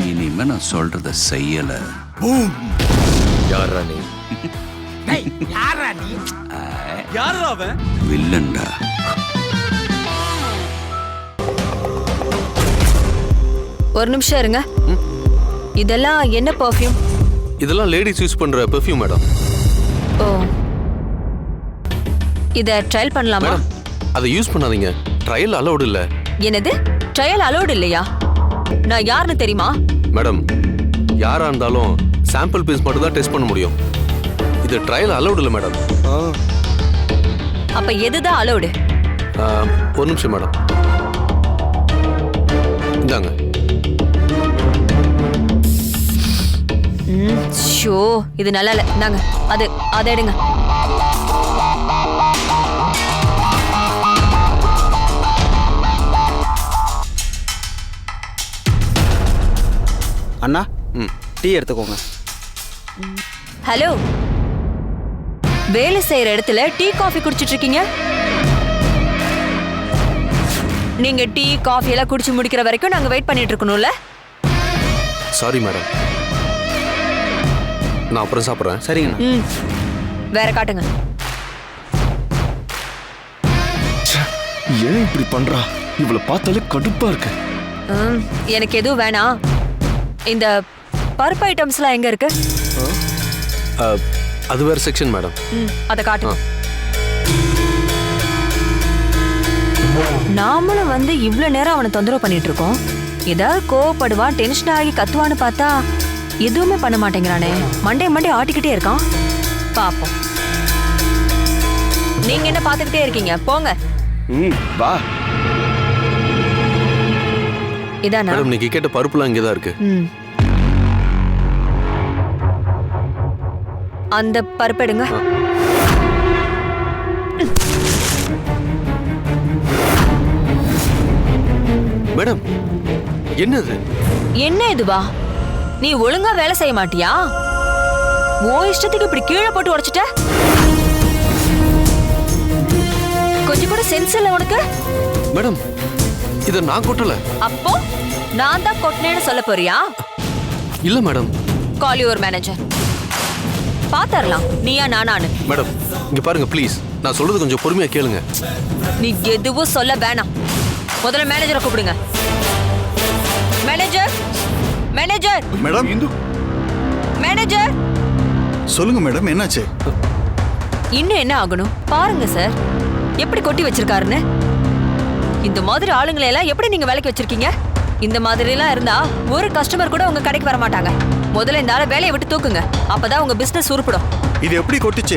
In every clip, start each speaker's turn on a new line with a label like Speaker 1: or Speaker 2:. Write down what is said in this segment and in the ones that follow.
Speaker 1: இனிமே நான் சொல்றத செய்யல.
Speaker 2: யாரா நீ?
Speaker 3: யாரா அவன்?
Speaker 1: வில்லன்டா.
Speaker 4: ஒரு நிமிஷம் இருங்க. இதெல்லாம் என்ன பெர்ஃப்யூம்?
Speaker 2: இதெல்லாம் லேடிஸ் யூஸ் பண்ற பெர்ஃப்யூம் மேடம்.
Speaker 4: ஓ, இத ட்ரையல் பண்ணலாமா?
Speaker 2: மேடம் அதை யூஸ் பண்ணாதீங்க, ட்ரையல் அலௌட் இல்ல.
Speaker 4: என்னது, ட்ரையல் அலௌட் இல்லையா? நான் யாருன்னு தெரியுமா?
Speaker 2: மேடம் யாரா இருந்தாலும் சாம்பிள் பீஸ் மட்டும் தான் டெஸ்ட் பண்ண முடியும். இது ட்ரையல் அலௌட் இல்ல மேடம்.
Speaker 4: அப்ப எதுதான் அலௌடு?
Speaker 2: ஒரு நிமிஷம் மேடம், இந்தாங்க.
Speaker 4: ஷோ, இது நல்லா இல்ல. நாங்க அதை எடுங்க.
Speaker 3: அண்ணா டீ எடுத்துக்கோங்க.
Speaker 4: ஹலோ, வேலை செய்யற இடத்துல டீ காஃபி குடிச்சிட்டு இருக்கீங்க? நீங்க டீ காஃபி எல்லாம் குடிச்சு முடிக்கிற வரைக்கும் நாங்க வெயிட் பண்ணிட்டு இருக்கணும்ல?
Speaker 2: சாரி மேடம், நான் அப்புறம் சாப்பிட்றேன்.
Speaker 3: சரிங்கண்ணா.
Speaker 4: வேற காட்டுங்க.
Speaker 5: ஏன் இப்படி பண்றா? இவளை பார்த்தாலே கடுப்பா இருக்கு.
Speaker 4: எனக்கு எதுவும் வேணாம். இந்த பருப்பு ஐட்டம்ஸ்லாம் எங்க இருக்கு?
Speaker 2: அது வேற செக்ஷன் மேடம்.
Speaker 4: அதை காட்டுங்க. நாமளும் வந்து இவ்வளவு நேரம் அவனை தொந்தரவு பண்ணிட்டு இருக்கோம். ஏதாவது கோவப்படுவான், டென்ஷன் ஆகி கத்துவான்னு பார்த்தா எதுவுமே பண்ண மாட்டேங்கிறானே. மண்டே ஆட்டிக்கிட்டே இருக்கான். பாப்போம். நீங்க என்ன பாத்துக்கிட்டே இருக்கீங்க? போங்க.
Speaker 5: வா.
Speaker 4: இதானா?
Speaker 2: மேடம் நீங்க கேட்ட பருப்புலாம் இங்கே தான் இருக்கு.
Speaker 4: அந்த பருப்பு எடுங்க.
Speaker 2: மேடம் என்னது?
Speaker 4: என்ன இதுவா? நீ ஒழுங்கா வேலை செய்ய மாட்டியா? ஓ இஷ்டத்துக்கு இப்படி கீழே போட்டு உடைச்சிட்ட? கொஞ்சம் கூட சென்ஸ் இல்ல உனக்கு?
Speaker 2: மேடம் இத நான் கொட்டல.
Speaker 4: அப்போ நான் தான் கொட்டினேன்னு சொல்ல போறியா?
Speaker 2: இல்ல மேடம்.
Speaker 4: Call your manager. பாத்தரலாம் நீயா நானானு.
Speaker 2: மேடம் இங்க பாருங்க ப்ளீஸ், நான் சொல்றது கொஞ்சம் பொறுமையா கேளுங்க.
Speaker 4: நீ எதுவும் சொல்ல வேணாம். முதல்ல மேனேஜரை கூப்பிடுங்க. மேனேஜர், மேனேஜர்,
Speaker 5: மேடம் இந்து.
Speaker 4: மேனேஜர்.
Speaker 5: சொல்லுங்க மேடம், என்னாச்சு?
Speaker 4: இன்னும் என்ன ஆகணும் பாருங்க சார், எப்படி கொட்டி வச்சிருக்காருன்னு. இந்த மாதிரி ஆளுங்களை எல்லாம் எப்படி நீங்க வேலைக்கு வச்சிருக்கீங்க? இந்த மாதிரி எல்லாம் இருந்தா ஒரு கஸ்டமர் கூட உங்க கடைக்கு வர மாட்டாங்க. முதல்ல இந்த ஆளை வேலையை விட்டு தூக்குங்க, அப்பதான் உங்க பிசினஸ் உருப்படும்.
Speaker 5: இது எப்படி கொட்டிச்சு?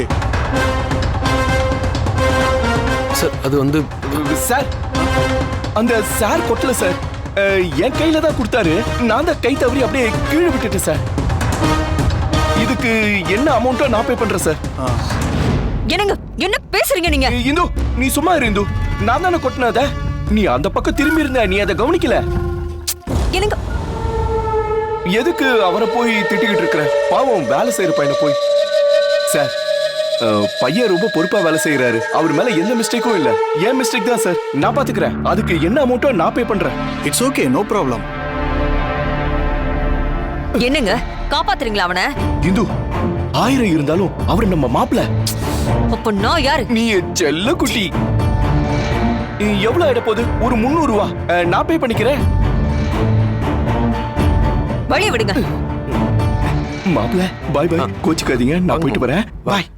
Speaker 2: சார் அது வந்து
Speaker 6: சார் அந்த சார் கொட்டல சார், என் கையில தான் கொடுத்தாரு. நான் தான் கை தவறி அப்படியே கீழே விட்டுட்டேன் சார். இதுக்கு என்ன அமௌண்ட்டோ நான் பே பண்றேன் சார்.
Speaker 4: என்னங்க என்ன பேசுறீங்க நீங்க?
Speaker 6: இந்து நீ சும்மா இரு இந்து, நான் தானே கொட்டினத. நீ அந்த பக்கம் திரும்பி இருந்த, நீ அதை கவனிக்கல.
Speaker 4: என்னங்க
Speaker 6: எதுக்கு அவரை போய் திட்டிக்கிட்டு இருக்கிற? பாவம் வேலை செய்யற பையனை போய். சார் பையன் ரொம்ப பொறுப்பா வேலை செய்யறாரு, அவர் மேல எந்த மிஸ்டேக்கும் இல்ல. ஏன் மிஸ்டேக் தான் சார், நான் பாத்துக்கிறேன். அதுக்கு என்ன அமௌண்ட்டோ நான் பே பண்றேன்.
Speaker 5: It's okay, no problem.
Speaker 4: என்னங்க காப்பாத்துறீங்களா அவனை?
Speaker 6: இந்து 1000 இருந்தாலும் அவர் நம்ம மாப்பிள்ள.
Speaker 4: அப்ப நான் யாரு?
Speaker 6: நீ செல்ல குட்டி. எவ்வளவு ஆயிட போகுது? ஒரு 300 ரூபா நான் பே பண்ணிக்கிறேன்.
Speaker 4: வழிய விடுங்க.
Speaker 6: மாப்பிள்ள பாய் பாய், கோச்சுக்காதீங்க, நான் போயிட்டு வரேன். பாய்.